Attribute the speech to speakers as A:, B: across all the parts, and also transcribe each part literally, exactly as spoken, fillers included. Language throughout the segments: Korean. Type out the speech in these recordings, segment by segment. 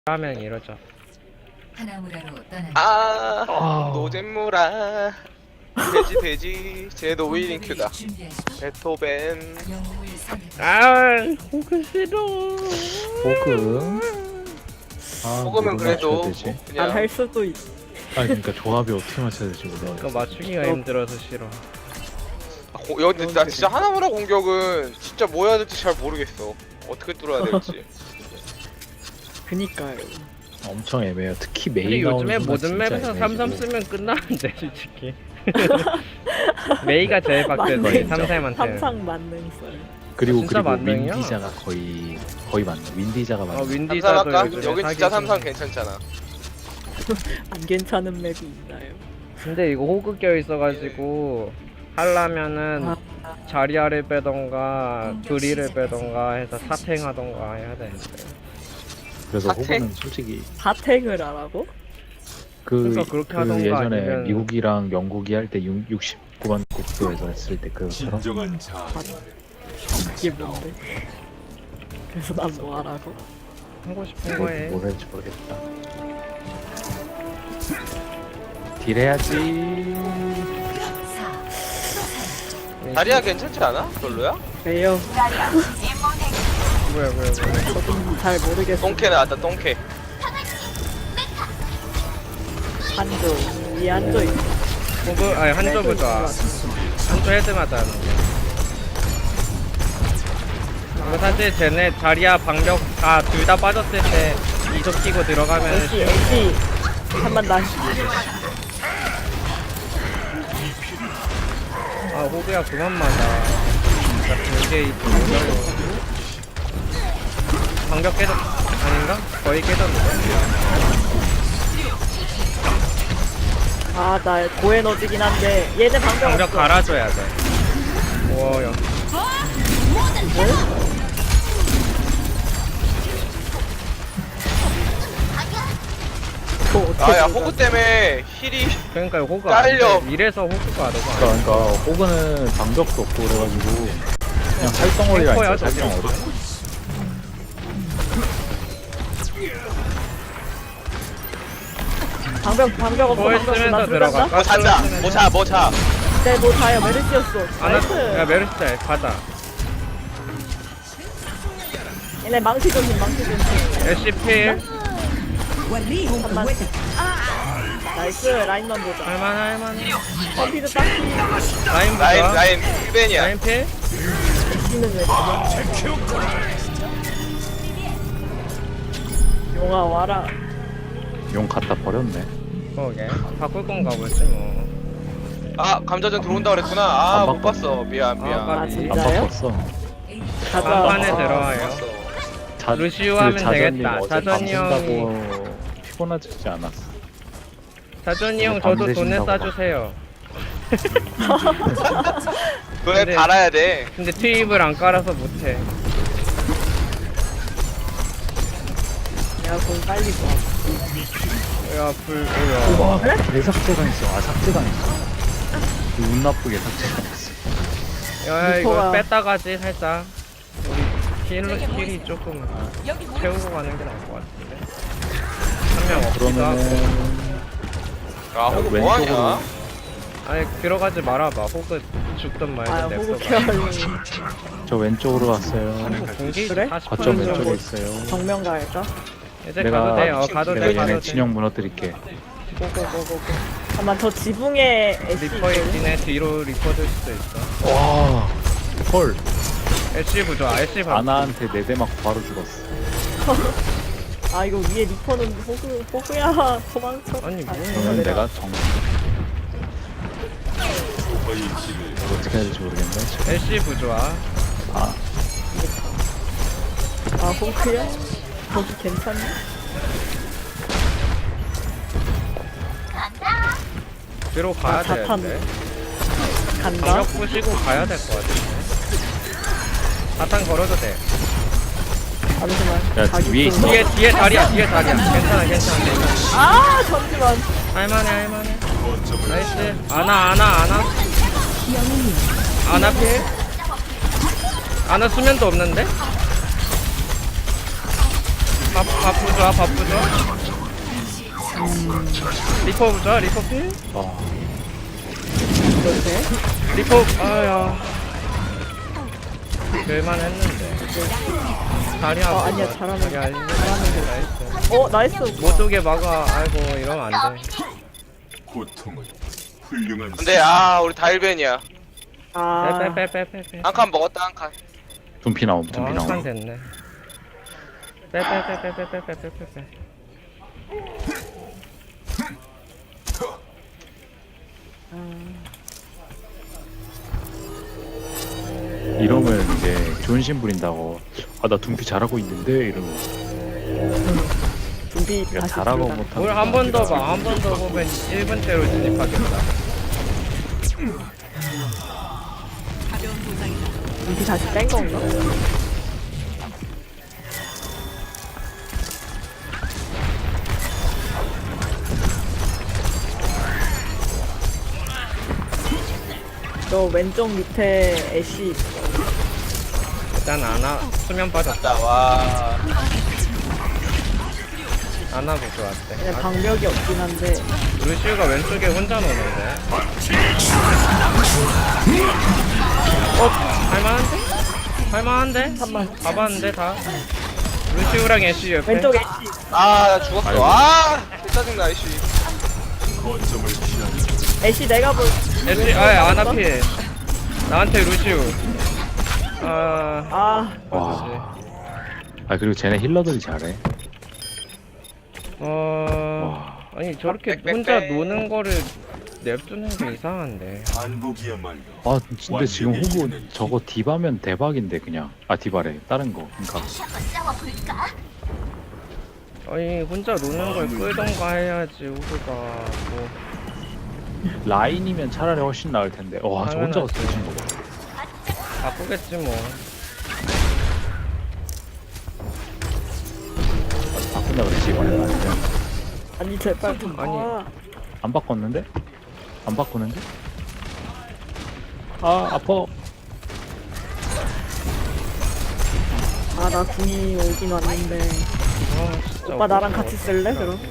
A: 하면 이러죠.
B: 하나무라로 떠납니다.
C: 아,
D: 아.
C: 노잼무라 돼지 돼지 제 노위링큐다.
B: 준비하십시오.
C: 베토벤.
B: 영웅을 선택.
A: 아, 호그 싫어.
D: 호그. 아,
C: 먹으면
D: 뭐를
C: 그래도
D: 맞춰야 되지?
C: 그냥
E: 안 할 수도 있.
D: 아 그러니까 조합이 어떻게 맞춰야 될지 몰라.
A: 그거 맞추기가 힘들어서 싫어.
C: 아, 고, 야, 근데 나 진짜 하나무라 공격은 진짜 뭐 해야 될지 잘 모르겠어. 어떻게 뚫어야 될지.
E: 그니까요.
D: 엄청 애매해요. 특히 메이
A: 근데
D: 나오는
A: 요즘에
D: 순간
A: 모든
D: 진짜
A: 맵에서
D: 애매해지고.
A: 삼삼 쓰면 끝나는데 솔직히. 메이가 제일 빡세지
D: 맞네.
A: 삼삼한테.
E: 삼상 만능 썰.
D: 그리고
A: 진짜
D: 그리고
A: 만능이야?
D: 윈디자가 거의 거의 맞네. 윈디자가 맞네.
A: 어
C: 삼삼
A: 윈디자도
C: 할까?
A: 요즘에
C: 여긴 진짜
A: 사기
C: 삼삼
A: 중.
C: 괜찮잖아.
E: 안 괜찮은 맵이 있나요?
A: 근데 이거 호그 껴 있어가지고 하려면은
E: 아.
A: 자리아를 빼던가 브리를 빼던가 해서 사탱하던가 해야 되는데.
D: 그래서
C: 사태?
D: 호그는 솔직히
E: 사탱을 하라고?
D: 그,
A: 그러니까 그렇게
D: 그
A: 하던가
D: 예전에
A: 아니면-
D: 미국이랑 영국이 할 때 육십구 번 국도에서 했을 때 그것처럼
E: 이게 뭔데? 그래서 난 뭐 하라고?
A: 하고 싶은
D: 뭐,
A: 거에.
D: 뭘 할지 모르겠다. 딜해야지.
C: 다리야 괜찮지 않아? 별로야?
E: 왜요?
A: 뭐야 뭐야 뭐야.
E: 저도 잘 모르겠어.
C: 똥캐 나왔다 똥캐.
E: 한조 위에 한조 있어.
A: 호그 아니 한조 보자. 한조 헤드 맞아는 게. 이거 사실 쟤네 자리야 방벽 다 둘 다 빠졌을 때 이속 끼고 들어가면
E: 애쉬 애쉬 한번 나.
A: 아 호그야 그만 맞아. 나 이게 어려워. 방벽 깨졌 아닌가? 거의 깨졌는데.
E: 아나 고에너지긴 한데 얘네 방벽
A: 방벽
E: 없어.
A: 갈아줘야 돼. 우와 야.
E: 뭐 어떻게
C: 아야
E: 들어가?
C: 호구 때문에 힐이
A: 그러니까 호그가 안
C: 깔려.
A: 돼. 이래서 호그가 너무 안 돼.
D: 그러니까 호그는 방벽도 없고 그래가지고 그냥 살덩어리가
A: 탱커야,
D: 있어요.
A: 저게.
D: 살덩어리.
E: 방벽 방벽 없어.
A: 뭘
E: 방벽 없어.
A: 쓰면서
E: 나
A: 들어가.
E: 들어간다.
C: 뭐 찾자 뭐차 뭐차.
E: 네뭐 다야 메르시였어.
A: 아나 야
E: 나이스.
A: 메르시자 가자.
E: 얘네 망치 조심 망치 조심.
A: 애쉬 필.
E: 잠깐만. 나이스 라인만 보자.
A: 할만 할만.
E: 컴피드 딱히
A: 라인 보자.
C: 라인 라인 힐벤이야.
A: 라인 필.
E: 있는 왜? 용아 와라.
D: 용 갖다 버렸네.
A: 그러게. 바꿀 건가 보지 뭐.
C: 아 감자전 들어온다 그랬구나. 아
D: 안
C: 못
D: 바꿨네.
C: 봤어. 미안
A: 아,
C: 미안.
E: 아
A: 까비.
D: 안
E: 진짜요?
D: 바꿨어.
E: 가자.
A: 간판에
E: 아,
C: 못
A: 들어와요.
C: 봤어.
D: 자,
A: 루시우
D: 그
A: 하면
D: 자전님
A: 되겠다.
D: 어제
A: 자전이
D: 밤
A: 형이-
D: 쓴다고 피곤하지 않았어.
A: 자존이 형
D: 밤
A: 저도 돈을
D: 되신다고
A: 싸주세요.
C: 그래
A: 근데-
C: 달아야 돼.
A: 근데 트입을 안 깔아서 못해.
E: 야, 공 빨리 봐.
A: 야 불. 뭐야.
D: 와, 대삭제가 있어. 아, 삭제가 있어. 운 나쁘게 삭제가 있어.
A: 야 이거
E: 리퍼가-
A: 뺐다 가지 살짝. 우리 힐 힐이 조금 채우고 가는 게 나을 것 같은데. 한 명 없기도 하고.
D: 그러면은
C: 아 호구
D: 왼쪽으로.
C: 뭐하냐?
A: 아니 들어가지 말아봐. 호그 죽든 말든
E: 아, 호구
A: 냅둬봐.
E: 케어리.
D: 저 왼쪽으로 왔어요.
A: 공기
E: 그래?
A: 사십
D: 거점
A: 분
D: 왼쪽에
A: 정도.
D: 있어요.
E: 정면 갈까?
A: 이제
D: 내가
A: 가도 돼. 어 가도
D: 내가
A: 돼. 가도
D: 얘네
A: 돼.
D: 진영 무너뜨릴게.
E: 고고고고고. 잠깐만, 저 지붕에 애쉬
A: 리퍼
E: 있거든?
A: 있긴 해. 뒤로 리퍼 될 수도 있어.
D: 와, 헐.
A: 애쉬 부좋아. 애쉬 봐.
D: 아나한테 네 대 맞고 바로 죽었어.
E: 아, 이거 위에 리퍼는 호구, 호구야. 도망쳐.
A: 아니, 뭐야.
D: 그러면
E: 내가
D: 내가 정. 어떻게 해야 될지 모르겠네.
A: 애쉬 부좋아.
D: 아,
E: 아, 호구야? 거기 괜찮니?
A: 뒤로 가야
E: 아, 자탄.
A: 되는데.
E: 간다?
A: 방역 부시고 가야 될 것 같은데. 자탄 걸어도 돼.
E: 잠시만.
D: 야,
E: 자기
D: 위에
E: 좀-
D: 있어.
A: 뒤에 뒤에 다리야. 뒤에 다리야. 괜찮아 괜찮아. 괜찮아.
E: 아, 잠시만.
A: 할만해 할만해. 나이스. 아나 아나 아나. 아나 필. 아나 수면도 없는데? 밥, 밥 부좋아, 밥 부좋아. 리퍼 부좋아, 리퍼 필?
D: 와
E: 그렇게?
A: 리퍼, 아야. 될만 했는데. 다리 아파.
E: 어, 아니야, 잘하는-
A: 다리 아니야.
E: 잘하는
A: 나이스.
E: 어 나이스.
A: 못 오게 막아. 아이고, 이러면 안 돼.
F: 고통은 훌륭한
C: 근데 아 우리 다일벤이야.
E: 아
A: 빼빼빼빼빼빼.
C: 한 칸 먹었다 한 칸.
D: 둠피 나옴
A: 어,
D: 둠피
A: 한 칸
D: 나옴
A: 됐네. 빼빼빼빼빼빼빼빼빼.
D: 이러면 이제 존신 부린다고 아 나 둠피 잘하고 있는데 이러면
E: 준비
D: 내가
E: 다시
D: 잘하고
E: 들어가.
D: 못하고
A: 오늘 한 번 더 봐. 한 번 더 보면 일 분대로 진입하겠다.
E: 준비 다시 뺀 건가? 저 왼쪽 밑에 애쉬 있어.
A: 일단 아나 수면 빠졌다.
C: 나 와.
A: 아나 보조 왔대.
E: 그냥
A: 아,
E: 방벽이 없긴 한데
A: 루시우가 왼쪽에 혼자 노는데. 어, 할만한데? 할만한데?
E: 잠깐만.
A: 가봤는데 다. 루시우랑 애쉬 옆에.
E: 왼쪽 애쉬.
C: 아 나 죽었어. 아 짜증나 이씨.
F: 거점을 취하는
E: 애쉬 내가 볼.
A: 애쉬, 아, 아나 필. 나한테 루시우. 아,
E: 아
D: 와. 아 그리고 쟤네 힐러들이 잘해
A: 어, 아니 저렇게
C: 빽빽빽.
A: 혼자 노는 거를 냅두는 게 이상한데.
F: 반복이야말로
D: 아 근데 지금 호구 저거 디바면 대박인데 그냥 아 디바래 다른 거 그니까
A: 아니 혼자 노는 걸 끌던가 해야지 우리가 뭐.
D: 라인이면 차라리 훨씬 나을 텐데 와 저 혼자가
A: 당연하지.
D: 쓰신 거 봐.
A: 바꾸겠지 뭐.
D: 바꾼다 그랬지 이번에 아니면
E: 아니 제발.
A: 아니.
E: 아,
D: 안 바꿨는데? 안 바꾸는데? 아 아파
E: 아, 나 궁이 오긴 왔는데.
A: 아, 진짜
E: 오빠 나랑
A: 어떡해,
E: 같이 쓸래
A: 어떡해.
E: 그럼?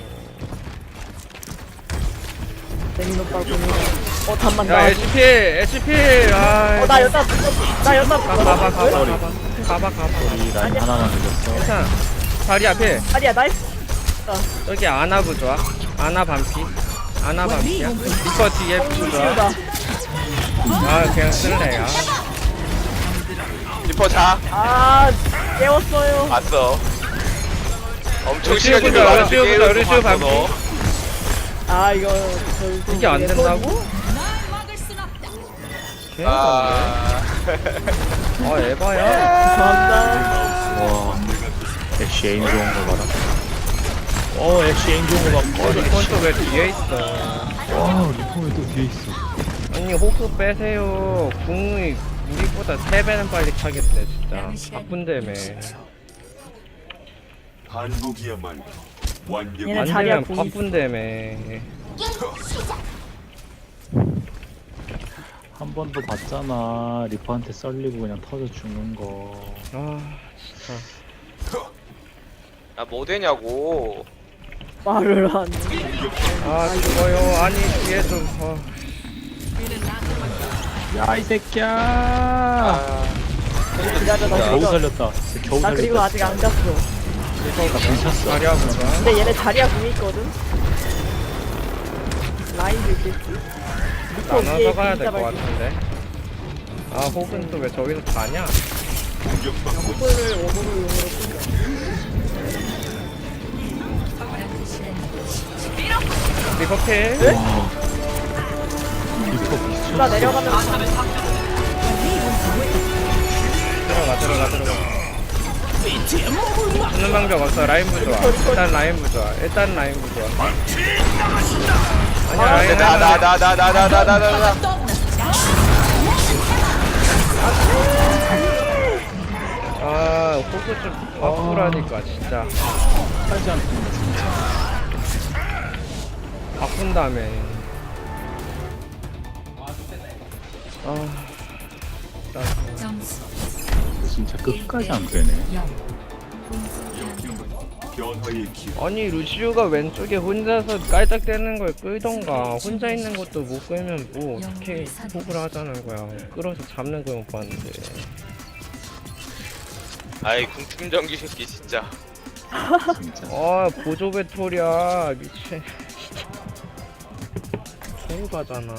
E: 재민 오빠 궁이. 어 잠만
A: 야
E: 나.
A: 에이치피 에이치피 아.
E: 어나 여자 나 여자
A: 가, 가봐 가봐
E: 왜?
A: 가봐 가봐 가봐.
D: 우리 라인 하나만 늦었어
A: 괜찮아. 다리 앞에
E: 아니야 나이스.
A: 여기 아나 부좋아. 아나 반피. 아나 반피야. 리퍼 뒤에 부좋아.
E: 뽕치우다.
A: 아 그냥 쓸래 야.
C: 리퍼 자.
E: 아 깨웠어요.
C: 봤어. 엄청
A: 루시우
C: 시간이
A: 보자,
C: 많은데
A: 루시우 보자,
C: 게임을
A: 루시우
C: 봤어,
A: 반피.
C: 너.
E: 아 이거 저,
A: 이게 안 된다고? 개인데.
C: 아.
A: 아 에바야.
E: 감사합니다.
D: 와 애쉬 에임 좋은 거 봐라 어 애쉬 에임 좋은 거 봐.
A: 어 리콘 또왜 뒤에 있어?
D: 와 리폼이 또 뒤에 있어
A: 아니 호크 빼세요. 궁이 우리보다 세 배는 빨리 차겠네 진짜. 바쁜데며.
F: 반복이야말로 완벽
E: 얘네
A: 안
E: 자리야
A: 되면
E: 궁이
A: 바쁜데며.
D: 한 번도 봤잖아 리퍼한테 썰리고 그냥 터져 죽는 거
A: 아 진짜.
C: 야, 뭐 되냐고.
E: 말을 안.
A: 아 죽어요. 아니 뒤에 좀. 어.
D: 야 이 새끼야
C: 아.
E: 기다려 나
D: 겨우
E: 그리고
D: 살렸다 겨우
E: 나 그리고
D: 살렸다
E: 아직 안 갔어.
D: 나 괜찮았어
A: 자리야 보자.
E: 근데 얘네 자리야 궁이 있거든. 라인도 있겠지. 리퍼
A: 나눠서
E: 위에
A: 가야
E: 진짜
A: 될 것
E: 밝게.
A: 같은데. 아 혹은 또 왜 저기서 자냐?
E: 호구를 오버로 용으로 끊겨.
A: 리버필.
D: 리퍼 미쳤어
E: 나 내려가면
A: 들어가 들어가 들어가. 주는 방법 없어. 라인 부좋아. 일단 라인 부좋아. 일단 라인 부좋아. 아니야 라인
C: 나 나 나 나 나 나 나 나 나 나.
A: 아 호구 좀 바꾸라니까 진짜.
D: 하지 않습니다 진짜
A: 바꾼 다음에. 아. 나
B: 점수
D: 진짜 끝까지 안 되네
B: 영.
F: 변화의 길.
A: 아니 루시우가 왼쪽에 혼자서 깔짝대는 걸 끌던가 혼자 있는 것도 못 끌면 뭐 어떻게 호구를 하자는 거야. 끌어서 잡는 걸 못 봤는데.
C: 아이 궁충전기 새끼 진짜.
D: 진짜.
A: 아 보조 배터리야 미친. 손 가잖아.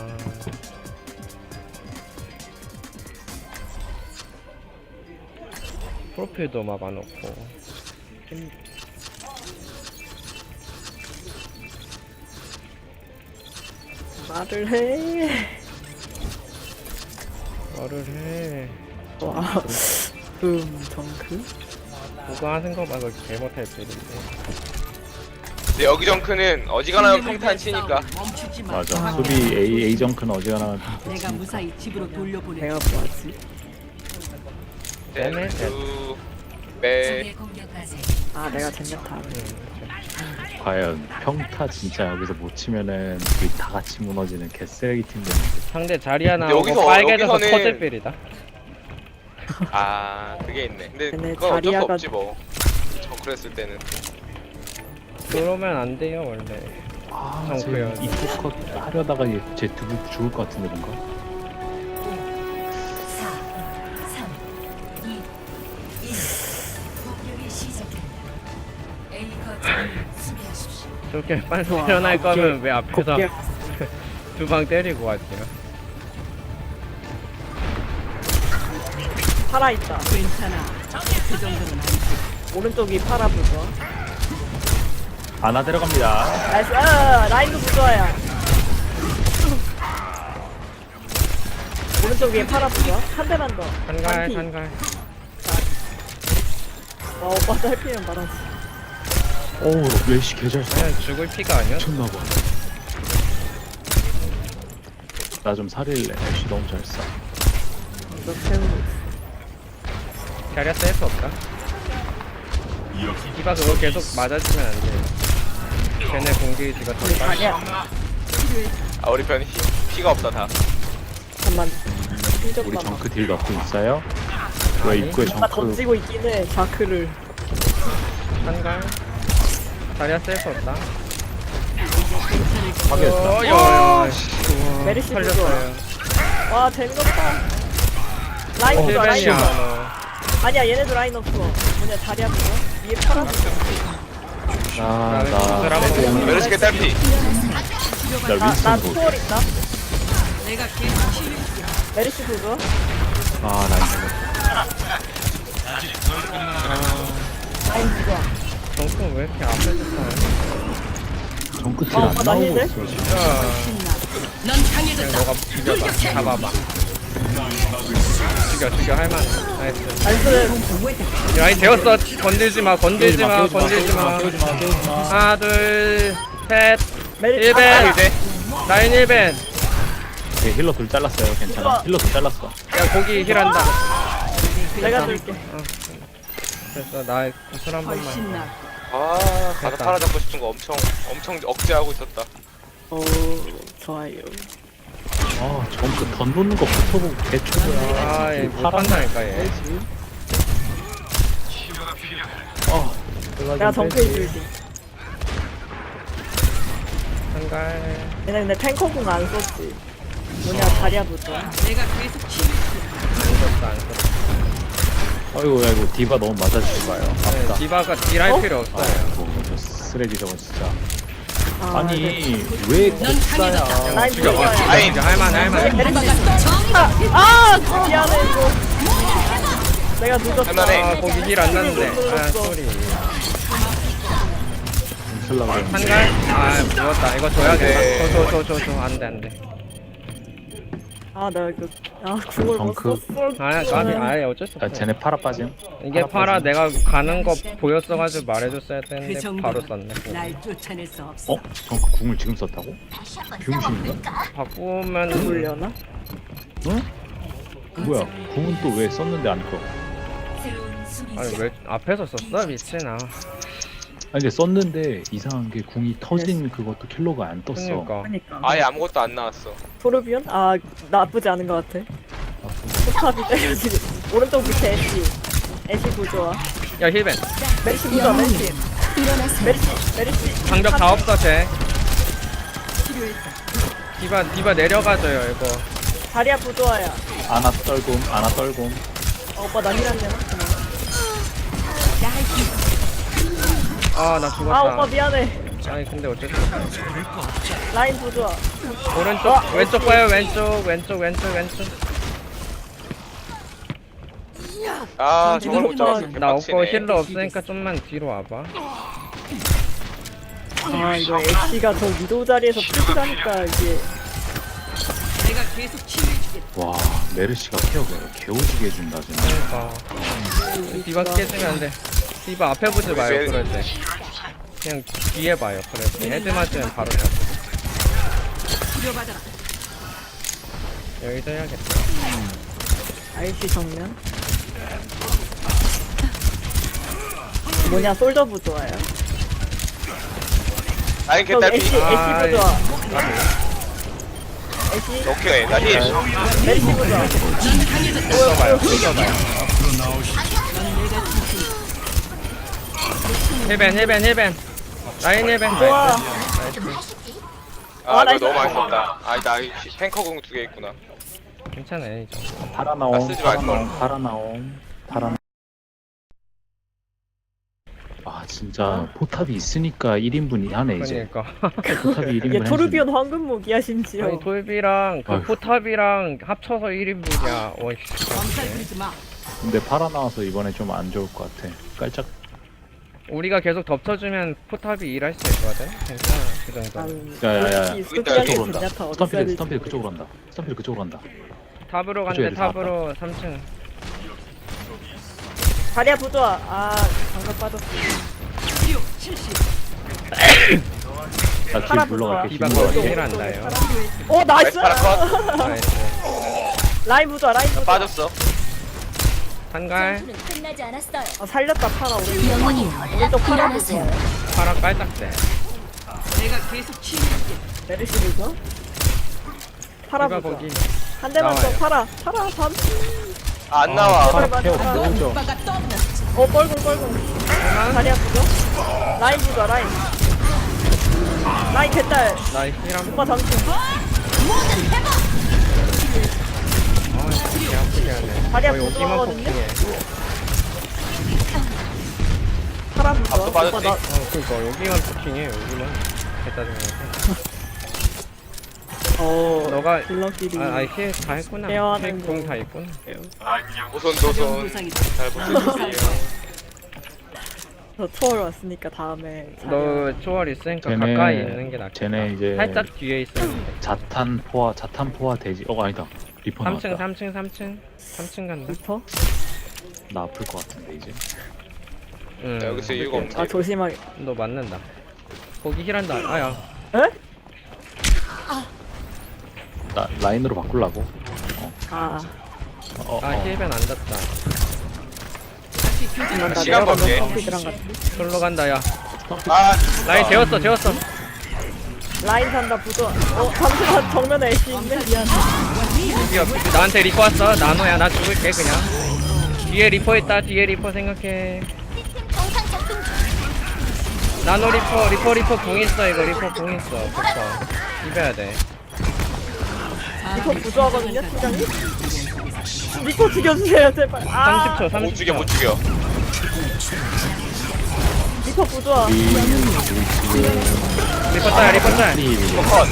A: 프로필도 막아놓고.
E: 말을 해.
A: 말을 해.
E: 와, 음, 정크?
A: 그거 하는 거 말고 개 못할 줄인데.
C: 근데 여기 정크는 어지간하면 평탄 치니까.
D: 맞아. 수비 A A 정크는 어지간하면
G: 내가 무사히 집으로 돌려보내.
E: 내가 뭐하지?
A: 쟤네
C: 두 배.
B: 적의 공격까지
E: 아, 내가 젠야타.
D: 과연 평타 진짜 여기서 못 치면은 우리 다 같이 무너지는 개쓰레기 팀 되는데.
A: 상대 자리야
C: 근데
A: 나오고
C: 여기서-
A: 빨개져서
C: 여기서는-
A: 커질빌이다.
C: 아 그게 있네. 근데
E: 근데
C: 그건 어쩔 수
E: 자리아가-
C: 없지 뭐. 정크를 했을 때는.
A: 그러면 안 돼요 원래.
D: 아,
A: 정크야.
D: 쟤 이쪽 컷 하려다가 쟤 두고 죽을 것 같은데 뭔가?
B: 사, 삼, 이, 일. 공격이 시작됩니다. A 거점을 수비하십시오.
A: 저렇게 빨리
E: 좋아.
A: 일어날
E: 곱게-
A: 거면 왜 앞에서
E: 곱게
A: 두 방 때리고 왔지요?
E: 팔아있다.
G: 괜찮아. 그 정도는 아니지.
E: 오른쪽이 팔아 부좋아.
D: 하나 들어갑니다.
E: 나이스. 아, 라인도 부좋아야. 오른쪽에 팔아 부좋아. 한 대만 더.
A: 한갈
E: 반피.
A: 한갈.
E: 와, 오빠 짧히면 말하지.
D: 어우 멜시 개잘 써.
A: 그냥 죽을 피가 아니야?
D: 미쳤나봐. 나 좀 살릴래. 멜시 너무 잘 써.
E: 이거 태우고 있어.
A: 자리야 셀수 없다.
F: 여기
A: 디바 그거 계속 맞아주면 안 돼. 걔네 공격이지가 더 빨리.
E: 아니야.
C: 아 우리 편 피, 피가 없다 다.
E: 잠만.
D: 우리
E: 삐졌다.
D: 정크 딜 넣고 있어요? 왜 입구에
E: 나
D: 정크?
E: 던지고 있긴 해. 자크를.
A: 한갈. 자리야 셀수 없다.
D: 파괴했다.
A: 어, 야, 야, 씨.
E: 메르시
A: 살렸어요.
E: 와, 재미없다. 라인
A: 어,
E: 없어, 라인
A: 힐벤이야.
E: 없어.
A: 너. 자리야
E: 아니야, 얘네도 라인 없어. 뭐냐, 자리야 그거? 위에 팔아 부좋아.
D: 아,
A: 나는
D: 나,
A: 그거랑
C: 메르시 개딸피.
D: 나
E: 나, 나
D: 윈스턴 보.
E: 투월 있다.
G: 내가 계속 치유.
E: 메르시 부좋아.
D: 아, 나 이거.
E: 라인 부좋아.
A: 정품 왜 이렇게 앞에서 써?
D: 정크 딜
E: 어,
D: 안
E: 나
D: 나오고
E: 힐 돼?
D: 있어. 지금.
A: 진짜.
G: 넌 강해졌다.
A: 너가 죽여봐. 잡아봐. 죽여 죽여 할만해. 나이스.
E: 나이스.
A: 라인 되었어. 건들지 마. 건들지 마. 건들지 마. 하나 둘 셋.
E: 메르시.
A: 일 벤.
E: 아,
C: 이제
A: 라인 일 벤.
D: 오케이, 힐러 둘 잘랐어요. 괜찮아. 힐러 둘 잘랐어.
A: 야 고기 힐한다.
E: 내가 줄게.
A: 됐어. 나 구슬 한 번만.
G: 훨씬 나.
C: 아 가서
A: 됐다.
C: 팔아 잡고 싶은 거 엄청 엄청 억제하고 있었다.
E: 오, 좋아요.
D: 아, 정크 던 놓는 거 붙어보고 개초보야.
A: 아, 얘 못한다니까 얘.
D: 아,
E: 내가 정크해 줄게.
A: 한갈.
E: 얘네 근데 탱커궁 안 썼지. 뭐냐, 자리야 부좋아.
G: 내가 계속 치유.
A: 안 썼다 안 썼다.
D: 아이고, 아이고, 디바 너무 맞아주지 마요.
A: 네,
D: 아프다.
A: 디바가 딜할
E: 어?
A: 필요 없어요.
D: 아이고, 저 쓰레기 저거 진짜.
E: 아,
D: 아니,
E: 네.
D: 왜
G: 넌
D: 국사야?
G: 강해졌다.
E: 라인
A: 죽여.
E: 부좋아.
C: 아이.
A: 죽여. 할만해 할만해.
E: 아, 미안해, 이거. 내가 늦었다.
C: 할만해.
A: 아 거기 힐 안 났는데. 아 소리.
D: 슬라가
A: 한갈? 아 죽었다. 이거 줘야겠다.
C: 네.
A: 줘줘줘줘줘 안돼 안돼.
E: 아, 나 이거. 아, 궁을 못
D: 정크.
E: 썼어.
A: 아 까비 아예 어쩔 수
D: 아,
A: 없어.
D: 쟤네 팔아 빠짐.
A: 이게 파라 내가 가는 거 보였어가지고 말해줬어야
G: 그
A: 되는데 바로
G: 정도는
A: 썼네.
G: 날 쫓아낼 수 없어.
D: 어? 정크 궁을 지금 썼다고? 병신인가?
A: 바꾸면
E: 돌려나?
D: 응? 뭐야? 궁은 또 왜 썼는데 안 떠?
B: 새로운 수비
A: 아니 왜 앞에서 썼어 미친아.
D: 아니 근데 썼는데 이상한 게 궁이 터진 그것도 킬로가 안 떴어.
A: 그러니까.
E: 그러니까.
C: 아예 아무것도 안 나왔어.
E: 토르비온? 아, 나쁘지 않은 것 같아. 포탑이 때려지고. 오른쪽 밑에 애쉬. 애쉬 부좋아.
A: 야 힐벤.
E: 멜시 부좋아, 멜시. 메르시 메르시
A: 방벽 다 없어 쟤. 디바 디바 내려가줘요 이거.
E: 다리야 부조화야.
D: 아나 떨곰 아나 떨곰.
E: 어, 오빠 나 힐한데.
A: 아 나
E: 아
A: 죽었다.
E: 오빠 미안해.
A: 아니 근데 어쩔 수 없어.
E: 라인 부조화.
A: 오른쪽 왼쪽 봐요 왼쪽 왼쪽 왼쪽 왼쪽.
C: 아 저걸 못 잡았어.
A: 나 없고
C: 개빡치네.
A: 힐러 없으니까 좀만 뒤로 와봐.
E: 아 이거 애쉬가 저 위도 자리에서 풀리다니까 이게.
G: 내가 계속 치유해주겠다.
D: 와 메르시가 케어가 개오지게 해준다 진짜.
A: 그러니까 디바 깨지면 안 돼. 디바 앞에 보지 마요
C: 왜-
A: 그럴 때. 그냥 뒤에 봐요. 그래서 헤드 맞으면 바로 잡.
G: 치료받아라.
A: 여기서 해야겠다.
E: 아이씨 정면. 뭐냐 솔저 부조화야.
C: 라인
E: 그럼
C: 개딸피.
E: 애쉬 애쉬
A: 아,
E: 부조화. 애쉬
C: 오케이 나 힐.
E: 메르시 부조화.
A: 써봐요. 써봐요. 힐벤 힐벤 힐벤. 라인 힐벤.
E: 좋아.
A: 나이스.
C: 아
E: 아,
C: 이거
E: 나이스.
C: 너무 많이 썼다. 아니 나 탱커 공 두 개 있구나.
A: 괜찮아요 이제.
D: 파라
C: 아,
D: 나옴
C: 쓰지
D: 파라
C: 말걸.
D: 나옴 파라 나옴 파라. 나옴. 아 진짜 포탑이 있으니까 일 인분이 하네 이제.
A: 그러니까.
D: 포탑이 일 인분.
E: 이게 토르비온 황금 무기야 심지어.
A: 아니 돌비랑 그
D: 아휴.
A: 포탑이랑 합쳐서 일 인분이야. 어이씨.
G: 엄살 부리지 마.
D: 근데 파라 나와서 이번에 좀 안 좋을 것 같아. 깔짝.
A: 우리가 계속 덮쳐주면 포탑이 일할 수 있거든. 괜찮아 그 정도.
E: 아유,
D: 야야야.
E: 솔직히
C: 그쪽으로
E: 스토키하게
D: 그쪽으로 온다.
E: 젠야타 어디
D: 스턴필
E: 있어야
D: 스턴필
E: 될지
D: 그쪽으로 간다. 스턴필 그쪽으로 간다.
A: 탑으로
D: 그쪽
A: 간대
D: 애들 다
A: 탑으로 삼 층.
E: 다리야 부조화. 아 장갑 빠졌어.
G: 치료 실시.
D: 나뒤
E: 파라
D: 물러갈게. 뒤
A: 디바
D: 물러갈게.
A: 거의 힐 한다요.
E: 오 나이스.
C: 나이스 파라 컷.
A: 나이스.
E: 라인 부조화 라인 부조화.
C: 빠졌어.
A: 한갈
B: 끝나지 않았어요.
E: 아, 살렸다 파라 오른쪽. 오른쪽 파라 부조화.
A: 파라 깔딱대.
G: 내가 계속 치유해주겠다.
E: 메르시 부조화. 파라
A: 디바
E: 부조화.
A: 거기.
E: 한 대만 더
A: 나와요.
E: 파라. 파라 밤.
C: 아, 안 나와.
D: 파라 케어 보죠.
G: 오빠가 떠나.
E: 어 뻘궁 뻘궁. 다리야 부조화. 라인 부조화 라인. 라인 개딸.
A: 나 힐한
E: 오빠 잠시.
A: 아, 개 아프게 하네.
E: 다리야
A: 거의 오기만
E: 부조화거든요?
A: 폭풍해.
E: 파라 부조화.
C: 앞도 빠졌지?
E: 오빠 나
A: 어, 그니까 여기만 폭킹해. 여기만. 개짜증나게.
E: 어.
A: 너가
E: 딜러끼리.
A: 아, 아이 힐다 했구나.
E: 대화하는 거.
A: 힐공다 했구나.
C: 노선 노선.
G: 부상이다.
C: 잘 부탁드릴게요.
E: 저 투어를 왔으니까 다음에.
A: 너 초월 있으니까
D: 쟤네-
A: 가까이 있는 게 낫겠다.
D: 쟤네 이제
A: 살짝 뒤에 있으면 돼.
D: 자탄 포화 자탄 포화 돼지. 어 아니다. 리퍼
A: 삼
D: 나왔다.
A: 층 삼 층 삼 층 삼 층 간다.
E: 리퍼?
D: 나 아플 것 같은데 이제.
A: 응.
C: 야, 여기서 이유가 없네.
E: 아 조심하게.
A: 너 맞는다. 거기 힐한다. 아야.
E: 에?
D: 나 라인으로 바꾸려고.
E: 아.
D: 어, 어,
A: 아
D: 어.
A: 힐벤 안 닿다.
G: 다시 교전.
E: 그만 나
C: 시간
E: 내려가면
C: 벌게.
E: 컴퓨터랑 같이.
A: 솔로 간다 야.
C: 아
A: 라인 재웠어 재웠어.
E: 라인 산다 부조. 어 잠시만 정면에 애쉬 있네. 미안.
A: 드디어 나한테 리퍼 왔어. 나노야 나 죽을게 그냥. 뒤에 리퍼 있다. 뒤에 리퍼 생각해. 나노 리퍼 리퍼 리퍼 궁 있어 이거 리퍼 궁 있어. 붙어. 비벼야 돼.
E: 리퍼 부조하거든요 팀장님. 리퍼 죽여주세요 제발. 아.
A: 삼십 초
C: 못
A: 삼십
C: 죽여
A: 초.
C: 못 죽여.
E: 리퍼 부조화.
D: 우리 지금
A: 리퍼 짤 리퍼 짤.
C: 리퍼 컷.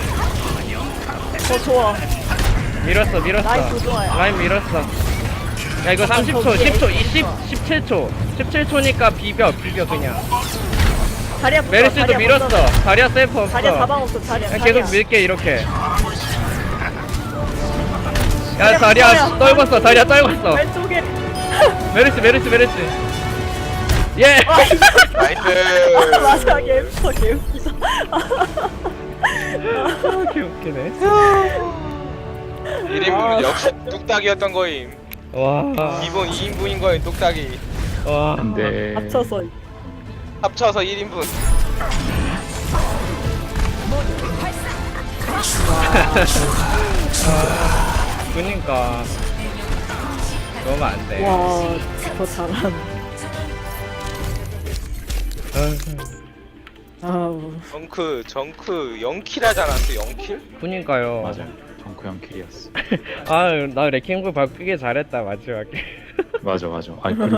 E: 어 좋아.
A: 밀었어 밀었어.
E: 라인 부조화야.
A: 라인 밀었어. 야 이거 삼십 초 십 초 이십 십칠 초 십칠 초니까 비벼 비벼 그냥.
E: 자리야 부조화.
A: 메르시도
E: 자리야
A: 밀었어.
E: 부조화.
A: 자리야 셀프 없어.
E: 자리야 가방 없어 자리야.
A: 그냥
E: 자리야.
A: 계속 밀게 이렇게. 야
E: 자리야,
A: 다리야
E: 자리야.
A: 떨궜어 다리야 떨궜어.
E: 왼쪽에.
A: 메르시 메르시 메르시. 예.
C: 나이스.
E: 마지막에 엠스터 개웃기다.
A: 아, 개웃기네.
C: 일 인분 역시 뚝딱이었던 거임.
A: 와.
C: 기본 이 인분인 거임 뚝딱이.
A: 와.
D: 근데
E: 합쳐서
C: 합쳐서 일 인분.
A: 그니까. 그러면 안 돼.
E: 와 더 잘한. 아우.
C: 정크 정크 영 킬 하지 않았어? 영 킬?
A: 그니까요.
D: 맞아요. 정크 형 킬이었어.
A: 아, 나 레킹볼 바꾸기 잘했다 마지막에.
D: 맞아 맞아. 아니